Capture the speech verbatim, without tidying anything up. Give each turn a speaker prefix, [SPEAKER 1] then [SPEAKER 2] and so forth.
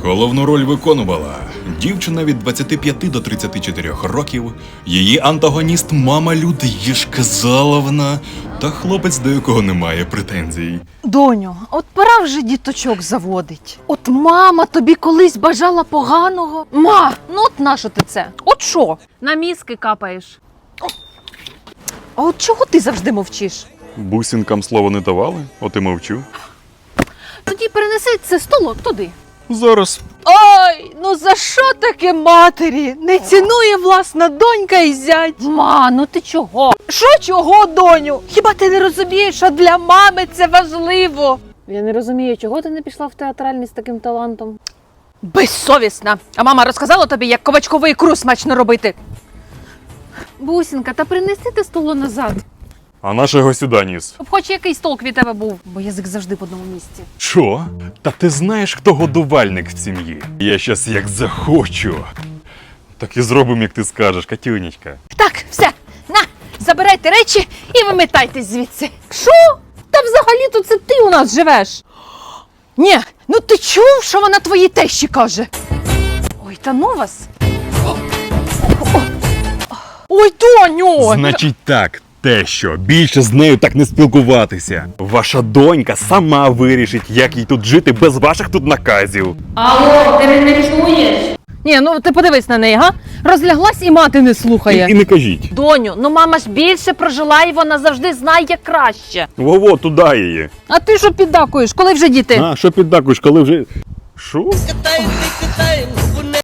[SPEAKER 1] Головну роль виконувала дівчина від двадцяти п'яти до тридцяти чотирьох років, її антагоніст мама Людмила Казаловна та хлопець, до якого немає претензій.
[SPEAKER 2] Доню, от пора вже діточок заводить. От мама тобі колись бажала поганого. Ма, ну от нащо ти це? От що?
[SPEAKER 3] На мізки капаєш.
[SPEAKER 2] А от чого ти завжди мовчиш?
[SPEAKER 1] Бусинкам слова не давали, от і мовчу.
[SPEAKER 3] Тоді перенеси це столок туди.
[SPEAKER 1] Зараз.
[SPEAKER 2] Ой, ну за що таке матері? Не цінує власна донька і зять.
[SPEAKER 3] Ма, ну ти чого?
[SPEAKER 2] Що чого, доню? Хіба ти не розумієш, що для мами це важливо?
[SPEAKER 3] Я не розумію, чого ти не пішла в театральний з таким талантом?
[SPEAKER 2] Безсовісна. А мама розказала тобі, як ковачкову ікру смачно робити.
[SPEAKER 3] Бусінка, та принеси те столо назад.
[SPEAKER 1] А нашого сюди ніс.
[SPEAKER 3] Щоб хоч якийсь толк від тебе був, бо язик завжди в одному місці.
[SPEAKER 1] Що? Та ти знаєш, хто годувальник в сім'ї? Я щас як захочу. Так і зробимо, як ти скажеш, Катюнечка.
[SPEAKER 2] Так, все, на, забирайте речі і вимитайтесь звідси.
[SPEAKER 3] Що? Та взагалі-то це ти у нас живеш.
[SPEAKER 2] Ні, ну ти чув, що вона твоїй тещі каже? Ой, та ну вас. Ой, доню!
[SPEAKER 1] Значить так, те що, більше з нею так не спілкуватися. Ваша донька сама вирішить, як їй тут жити без ваших тут наказів.
[SPEAKER 3] Алло, ти мене чуєш?
[SPEAKER 2] Ні, ну ти подивись на неї, га? Розляглась і мати не слухає.
[SPEAKER 1] І, і не кажіть.
[SPEAKER 2] Доню, ну мама ж більше прожила і вона завжди знає, як краще.
[SPEAKER 1] Во-во, туди її.
[SPEAKER 2] А ти що піддакуєш? Коли вже діти?
[SPEAKER 1] А, що піддакуєш, коли вже... Що?
[SPEAKER 4] Катаем, не катаем,